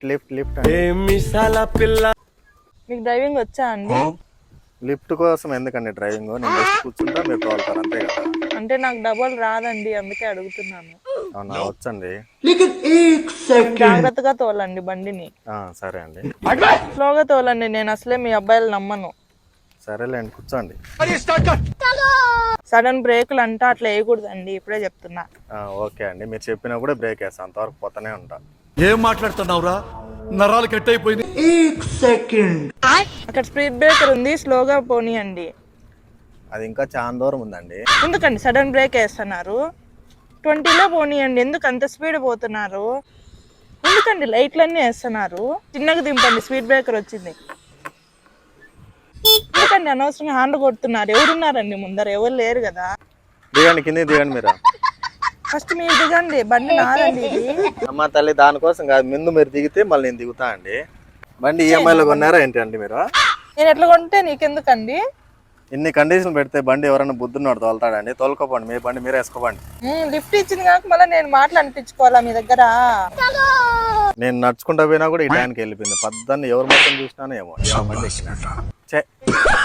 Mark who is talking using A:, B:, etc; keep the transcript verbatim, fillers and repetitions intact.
A: Lift lift
B: మీకు driving వచ్చా అండి?
A: లిఫ్ట్ కోసం ఎందుకండి డ్రైవింగ్? నేను జస్ట్ కూర్చుంటా, మీరు తోలుతారు అంతే కదా.
B: అంటే నాకు డబల్ రాదండి, అందుకే అడుగుతున్నాను.
A: అవునా, వచ్చండి.
B: జాగ్రత్తగా తోలండి బండిని.
A: ఆ, సరే అండి.
B: స్లోగా తోలండి, నేను అసలే మీ అబ్బాయిలు నమ్మను.
A: సరేలేండి, కూర్చోండి.
B: సడన్ బ్రేకులు అంటా అట్లా వేయకూడదండి, ఇప్పుడే చెప్తున్నా.
A: ఓకే అండి, మీరు చెప్పినప్పుడే బ్రేక్ వేస్తాను, అంతవరకు పోతానే ఉంటా.
C: ఏం మాట్లాడుతున్నావురా? నరాలు కట్ అయిపోయింది.
B: అక్కడ స్పీడ్ బ్రేకర్ ఉంది, స్లోగా పోనీయండి.
A: అది ఇంకా చాలా దూరం ఉందండి.
B: ఎందుకండి సడన్ బ్రేక్ వేస్తున్నారు? ట్వంటీలో పోనీయండి, ఎందుకు అంత స్పీడ్ పోతున్నారు? ఎందుకండి లైట్లన్నీ వేస్తున్నారు? చిన్నగా దింపండి, స్పీడ్ బ్రేకర్ వచ్చింది. ఎందుకండి అనవసరంగా హ్యాండ్ కొడుతున్నారు? ఎవరున్నారండి ముందర? ఎవరు లేరు కదా.
A: దిగండి, కింద దిగండి. మీరు
B: ఫస్ట్ మీరు దిగండి, బండి నాదండి ఇది.
A: అమ్మ తల్లి, దానికోసం కాదు, ముందు మీరు దిగితే మళ్ళీ నేను దిగుతా అండి. బండి ఈఎంఐలో కొన్నారా ఏంటి అండి మీరు?
B: నేను ఎట్లా కొంటే నీకెందుకండి?
A: ఇన్ని కండిషన్లు పెడితే బండి ఎవరైనా బుద్ధున్నాడు తోలుతాడండి. తోలుకోపండి, మీ బండి మీరే వేసుకోపండి.
B: లిఫ్ట్ ఇచ్చింది కాక మళ్ళీ నేను మాటలు అనిపించుకోవాలా మీ దగ్గర?
A: నేను నడుచుకుంటా పోయినా కూడా ఈ టైంకి వెళ్ళిపోయింది. పద్దన్ని ఎవరు మొత్తం చూసినానో ఏమో బండి ఎక్కినా.